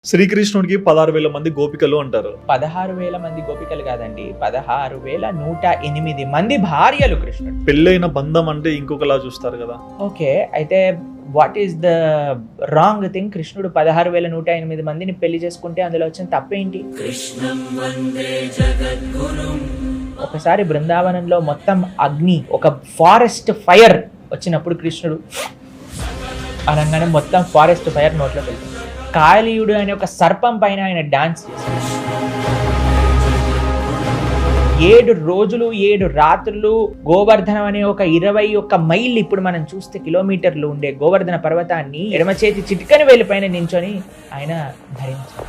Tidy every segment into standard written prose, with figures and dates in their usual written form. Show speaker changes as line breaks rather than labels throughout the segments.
శ్రీకృష్ణుడికి 16,000 మంది గోపికలు అంటారు.
16,000 మంది గోపికలు కాదండి, 16,108 మంది భార్యలు కృష్ణుడు.
పెళ్ళైన బంధం అంటే ఇంకొకలా చూస్తారు కదా.
ఓకే, అయితే what is the wrong thing? కృష్ణుడు 16,108 మందిని పెళ్లి చేసుకుంటే అందులో వచ్చిన తప్పేంటి? ఒకసారి బృందావనంలో మొత్తం అగ్ని, ఒక ఫారెస్ట్ ఫైర్ వచ్చినప్పుడు కృష్ణుడు అనగానే మొత్తం ఫారెస్ట్ ఫైర్ నోట్లో వెళ్తుంది. కాళీయుడు అనే ఒక సర్పం పైన ఆయన డాన్స్ చేశాడు. 7 రోజులు 7 రాత్రులు గోవర్ధనం అనే ఒక 21 మైళ్ళు, ఇప్పుడు మనం చూస్తే కిలోమీటర్లు ఉండే గోవర్ధన పర్వతాన్ని ఎడమ చేతి చిటికని వేలి పైన నించొని ఆయన ధరించారు.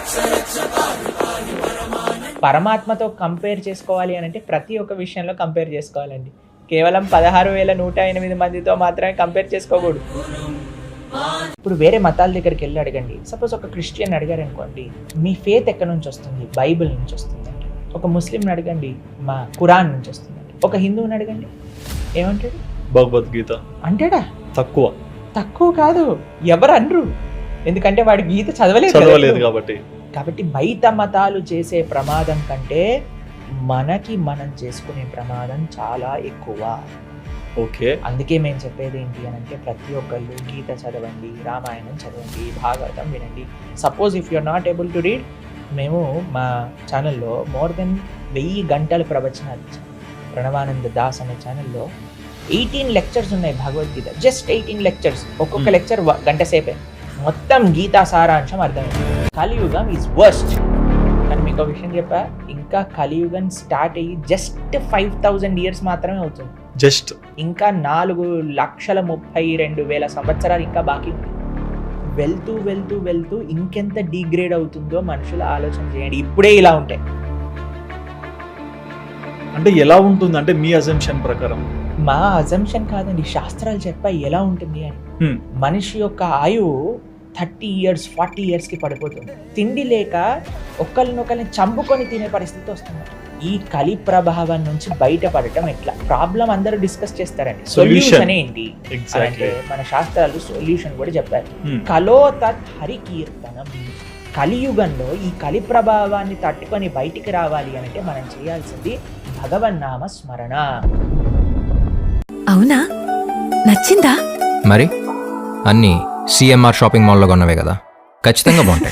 పరమాత్మతో కంపేర్ చేసుకోవాలి అని అంటే ప్రతి ఒక్క విషయంలో కంపేర్ చేసుకోవాలండి. కేవలం 16,108 మందితో మాత్రమే కంపేర్ చేసుకోకూడదు. ఇప్పుడు వేరే మతాల దగ్గరికి వెళ్ళి అడగండి. సపోజ్ ఒక క్రిస్టియన్ అడిగారు అనుకోండి, మీ ఫేత్ ఎక్కడి నుంచి వస్తుంది? బైబిల్ నుంచి వస్తుంది. ఒక ముస్లింని అడగండి, మా ఖురాన్ నుంచి వస్తుంది. ఒక హిందువుని అడగండి, ఏమంటాడు?
భగవద్గీత
అంటాడా?
తక్కువ
కాదు, ఎవరు అనరు. ఎందుకంటే వాడి గీత చదవలేదు కాబట్టి బయట మతాలు చేసే ప్రమాదం కంటే మనం చేసుకునే ప్రమాదం చాలా ఎక్కువ.
ఓకే,
అందుకే మేము చెప్పేది ఏంటి అని అంటే, ప్రతి ఒక్కళ్ళు గీత చదవండి, రామాయణం చదవండి, భాగవతం వినండి. Suppose if you are not able to read, మేము మా ఛానల్లో మోర్ దెన్ 1000 గంటల ప్రవచనాలు ఇచ్చాం. ప్రణవానంద దాస్ అనే ఛానల్లో 18 లెక్చర్స్ ఉన్నాయి భగవద్గీత. జస్ట్ 18 లెక్చర్స్, ఒక్కొక్క లెక్చర్ గంట సేపే. మొత్తం గీతా సారాంశం అర్థమైంది. కలియుగం ఈజ్ వర్స్ట్. కానీ మీకు ఒక విషయం చెప్పా, ఇంకా కలియుగం స్టార్ట్ అయ్యి జస్ట్ 5,000 ఇయర్స్ మాత్రమే అవుతుంది.
జస్ట్
ఇంకా 4,32,000 సంవత్సరాలు ఇంకా బాకీ ఉంది. వెళ్తూ వెళ్తూ వెళ్తూ ఇంకెంత డిగ్రేడ్ అవుతుందో మనుషులు ఆలోచన చేయండి. ఇప్పుడే ఇలా ఉంటాయి
అంటే ఎలా ఉంటుంది? అంటే మీ అజంప్షన్ ప్రకారం?
మా అజంప్షన్ కాదండి, శాస్త్రాలు చెప్పాయి ఎలా ఉంటుంది అని. మనిషి యొక్క ఆయువు 30 ఇయర్స్ 40 ఇయర్స్కి పడిపోతుంది. తిండి లేక ఒకరినొకరిని చంపుకొని తినే పరిస్థితి వస్తుంది. ఈ కలి ప్రభావం నుంచి బయటపడటం ఎట్లా? ప్రాబ్లం అందరూ డిస్కస్ చేస్తారండి, సొల్యూషన్ ఏంటి అంటే మన శాస్త్రాలు సొల్యూషన్ కూడా చెప్పారు. కలో తత్ హరికీర్తనం. కలియుగంలో ఈ కలి ప్రభావాన్ని తట్టుకొని బయటికి రావాలి అంటే మనం చేయాల్సింది భగవన్నామ స్మరణ.
అవునా, నచ్చిందా?
మరి అన్నీ సిఎంఆర్ షాపింగ్ మాల్లో కొన్నవే కదా, ఖచ్చితంగా బాగుంటాయి.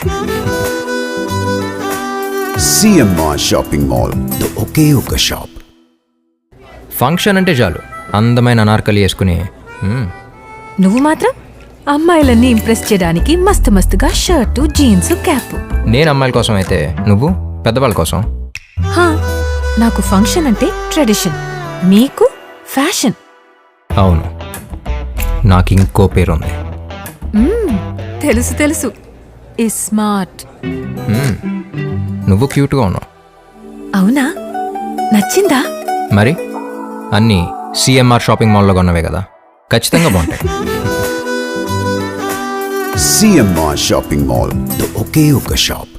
సిఎంఆర్ షాపింగ్ మాల్, ఒకే ఒక షాప్.
ఫంక్షన్ అంటే చాలు అందమైన అనార్కలి వేసుకుని.
నువ్వు మాత్రం అమ్మాయిలన్నీ ఇంప్రెస్ చేయడానికి మస్తు మస్తుగా షర్టు, జీన్స్, క్యాప్.
నేను అమ్మాయిల కోసం అయితే నువ్వు పెద్దవాళ్ళ కోసం.
నాకు ఫంక్షన్ అంటే ట్రెడిషన్, మీకు ఫ్యాషన్.
అవును, నాకు ఇంకో పేరుంది.
తెలుసు, ఈ స్మార్ట్.
నువ్వు క్యూట్గా ఉన్నావు.
అవునా, నచ్చిందా?
మరి అన్నీ సిఎంఆర్ షాపింగ్ మాల్లో కొన్నవే కదా, ఖచ్చితంగా బాగుంటాయి.
సిఎంఆర్ షాపింగ్ మాల్, ఒకే ఒక షాప్.